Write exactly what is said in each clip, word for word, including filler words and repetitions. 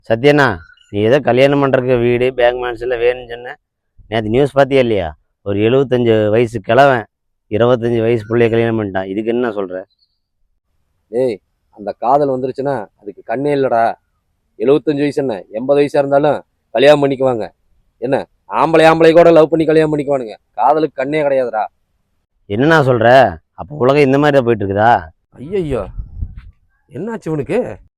சத்யண்ணா, நீ ஏதோ கல்யாணம் பண்ணுறக்கு வீடு பேங்க் பேலன்ஸ் எல்லாம் வேணும்னு சொன்ன. நேற்று நியூஸ் பார்த்தியா இல்லையா? ஒரு எழுபத்தஞ்சு வயசு கிழவன் இருபத்தஞ்சி வயசு பிள்ளைய கல்யாணம் பண்ணிட்டான். இதுக்கு என்ன சொல்கிற? ஏய், அந்த காதல் வந்துருச்சுன்னா அதுக்கு கண்ணே இல்லடா. எழுபத்தஞ்சு வயசு என்ன எண்பது வயசா இருந்தாலும் கல்யாணம் பண்ணிக்குவாங்க. என்ன ஆம்பளை ஆம்பளை கூட லவ் பண்ணி கல்யாணம் பண்ணிக்குவானுங்க. காதலுக்கு கண்ணே கிடையாதுடா. என்னண்ணா சொல்கிற? அப்போ உலகம் இந்த மாதிரி தான் போயிட்டு இருக்குதா? ஐயோ, என்னாச்சு இவனுக்கு?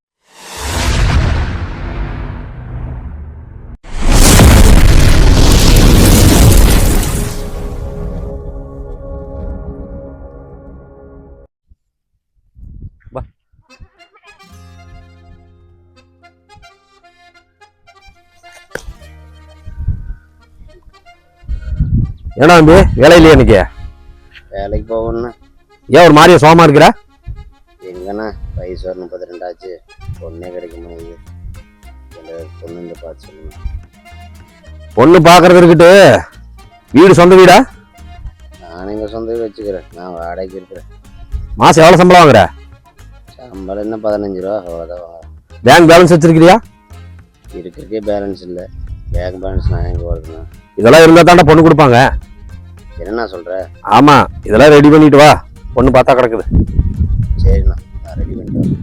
ஏன்னா தம்பி வேலை இல்லையா இன்னைக்கு? வேலைக்கு போகணுண்ணா. ஏன் ஒரு மாதிரியா சோகமா இருக்கிற? எங்கண்ணா வயசு ஒரு முப்பத்தி ரெண்டாச்சு, பொண்ணே கிடைக்க முடியுது. பொண்ணு இந்த பார்த்து சொல்லுங்க. பொண்ணு பார்க்கறது இருக்கட்டு, வீடு சொந்த வீடா? நான் எங்கள் சொந்த வீடு வச்சுக்கிறேன். நான் வாடகைக்கு இருக்கிறேன். மாதம் எவ்வளோ சம்பளம் வாங்குற? சம்பளம் என்ன பதினஞ்சு ரூபா அவ்வளோதான் வாங்குறேன். பேங்க் பேலன்ஸ் வச்சிருக்கிறியா? இருக்கிறக்கே பேலன்ஸ் இல்லை. பேங்க் பேலன்ஸ் நான் எங்கே வருதுண்ணா? இதெல்லாம் இருந்தால் தாண்டா பொண்ணு கொடுப்பாங்க. என்னண்ணா சொல்கிற? ஆமாம், இதெல்லாம் ரெடி பண்ணிட்டு வா. பொண்ணு பார்த்தா கிடக்குது. சரிண்ணா, நான் ரெடி பண்ணிட்டு வரேன்.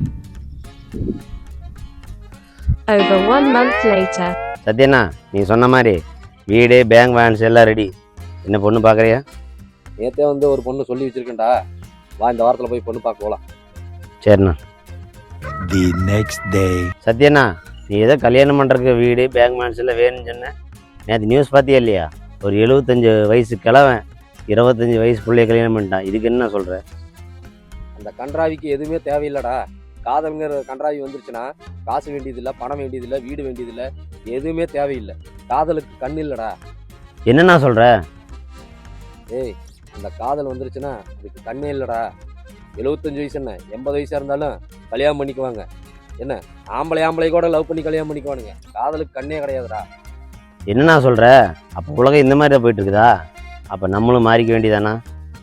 Over one month later. சத்யண்ணா, நீ சொன்ன மாதிரி வீடு பேங்க் பேலன்ஸ் எல்லாம் ரெடி. என்ன பொண்ணு பார்க்குறியா? நேற்றே வந்து ஒரு பொண்ணு சொல்லி வச்சிருக்கேன்டா. வா, இந்த வாரத்தில் போய் பொண்ணு பார்க்க போகலாம். சரிண்ணா. The next day. சத்யண்ணா, நீ ஏதோ கல்யாணம் பண்ணுறக்கு வீடு பேங்க் பேலன்ஸ் எல்லாம் வேணும்னு சொன்ன. நேற்று நியூஸ் பார்த்தியா இல்லையா? ஒரு எழுபத்தஞ்சு வயசு கிழவன் இருபத்தஞ்சி வயசு பிள்ளைய கல்யாணம் பண்ணிட்டான். இதுக்கு என்ன சொல்கிற? அந்த கன்றாவிக்கு எதுவுமே தேவையில்லடா. காதல்ங்கிற கன்றாவி வந்துருச்சுன்னா காசு வேண்டியதில்லை, பணம் வேண்டியதில்லை, வீடு வேண்டியதில்லை, எதுவுமே தேவையில்லை. காதலுக்கு கண் இல்லடா. என்னண்ணா சொல்கிற? ஏய், அந்த காதல் வந்துருச்சுன்னா அதுக்கு கண்ணே இல்லடா. எழுபத்தஞ்சு வயசு என்ன எண்பது வயசா இருந்தாலும் கல்யாணம் பண்ணிக்குவாங்க. என்ன ஆம்பளை ஆம்பளை கூட லவ் பண்ணி கல்யாணம் பண்ணிக்குவானுங்க. காதலுக்கு கண்ணே கிடையாதுடா. என்னண்ணா சொல்கிற? அப்போ உலகம் இந்த மாதிரி தான் போயிட்டு இருக்குதா? அப்போ நம்மளும் மாறிக்க வேண்டியதானா?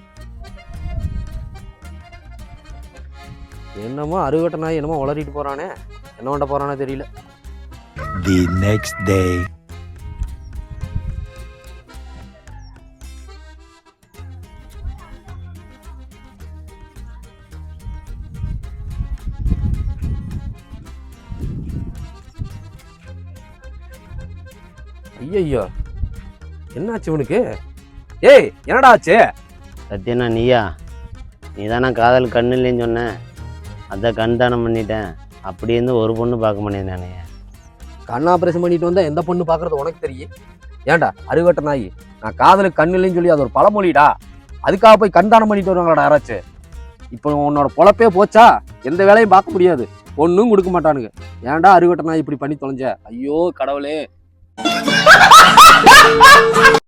என்னமோ அறுவட்ட நாய் என்னமோ உளறிட்டு போறானே, என்ன பண்ண போறானே தெரியல. The next day. ஐயோ, என்னாச்சு இவனுக்கு? ஏய், என்னடா ஆச்சு? சத்யண்ணா, நீயா? நீ தானே காதல் கண்ணு இல்லைன்னு சொன்ன. அதான் கண் தானம் பண்ணிட்டேன். அப்படி இருந்து ஒரு பொண்ணு பார்க்க முடியாது. நானே கண் ஆப்ரேஷன் பண்ணிட்டு வந்தா எந்த பொண்ணு பார்க்கறது உனக்கு தெரியும்? ஏன்டா அறுவட்ட நாய், நான் காதலுக்கு கண் இல்லைன்னு சொல்லி அது ஒரு பழமொழிடா. அதுக்காக போய் கண் தானம் பண்ணிட்டு வருவாங்களாடா யாராச்சும்? இப்போ உன்னோட பொழப்பே போச்சா? எந்த வேலையும் பார்க்க முடியாது, ஒன்றும் கொடுக்க மாட்டானுங்க. ஏன்டா அறுவட்ட நாய் இப்படி பண்ணி தொலைஞ்ச? ஐயோ கடவுளே.